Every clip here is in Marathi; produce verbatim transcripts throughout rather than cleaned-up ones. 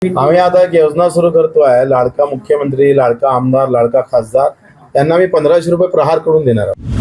आम्ही आता एक योजना सुरू करतोय, लाडका मुख्यमंत्री, लाडका आमदार, लाडका खासदार यांना मी पंधराशे रुपये प्रहार करून देणार आहोत.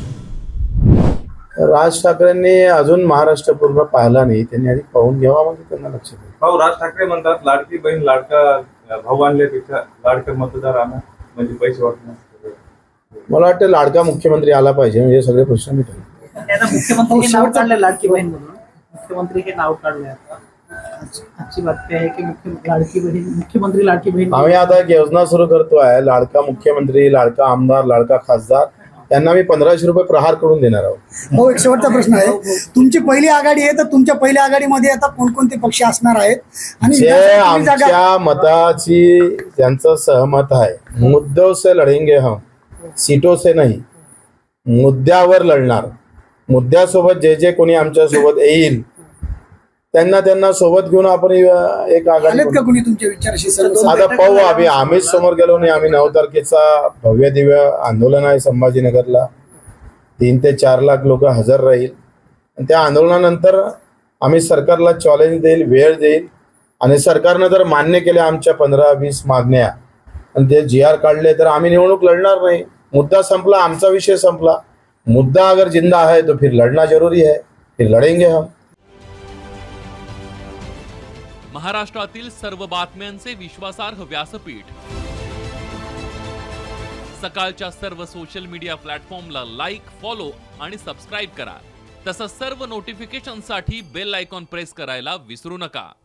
राज ठाकरेंनी अजून महाराष्ट्र पूर्ण पाहिला नाही, त्यांनी आधी पाहून घ्यावा, म्हणजे त्यांना लक्ष द्या. भाऊ, राज ठाकरे म्हणतात लाडकी बहीण लाडका भाऊ आणल्यापेक्षा लाडका मतदार आणा, म्हणजे पैसे वाटणार. मला वाटतं लाडका मुख्यमंत्री आला पाहिजे, म्हणजे सगळे प्रश्न मिटले. मुख्यमंत्री हे नाव काढले लाडकी बहीण म्हणून, मुख्यमंत्री हे नाव काढले. आता अच्छी बातमी आहे की मुख्य लाडकी बहीण मुख्यमंत्री लाडकी बहीण. आम्ही आता एक योजना सुरू करतोय, लाडका मुख्यमंत्री, लाडका आमदार, लाडका खासदार यांना मी पंधराशे रुपये प्रहार करून देणार आहोत. भाऊ, एक शेवटचा प्रश्न आहे. तुमची पहिली आघाडी आहे, तर तुमच्या पहिल्या आघाडीमध्ये आता कोणकोणते पक्ष असणार आहेत आणि जे आमच्या मताची ज्यांचं सहमत आहे, मुद्दों से लढेंगे हम, सीटों से नाही, मुद्द्यावर लढणार. मुद्द्यासोबत जे जे कोणी आमच्या सोबत येईल त्यांना त्यांना सोबत घेऊन आपण एक आघाडी का कोणी तुमच्या विचाराशी आता पाहू. आम्ही आम्हीच समोर गेलो नाही. आम्ही नऊ तारखेचा भव्य दिव्य आंदोलन आहे संभाजीनगरला, तीन ते चार लाख लोक हजर राहील. आणि त्या आंदोलनानंतर आम्ही सरकारला चॅलेंज देईल, वेळ देईल, आणि सरकारनं जर मान्य केल्या आमच्या पंधरा वीस मागण्या आणि ते जी आर काढले तर आम्ही निवडणूक लढणार नाही. मुद्दा संपला, आमचा विषय संपला. मुद्दा अगर जिंदा है तो फिर लड़ना जरूरी है, फिर लड़ेंगे हम. महाराष्ट्रातील सर्व बातम्यांचे विश्वासार्ह व्यासपीठ, सकाळच्या सर्व सोशल मीडिया प्लॅटफॉर्मला लाईक, फॉलो आणि सबस्क्राईब करा. तसंच सर्व नोटिफिकेशनसाठी बेल आयकॉन प्रेस करायला विसरू नका.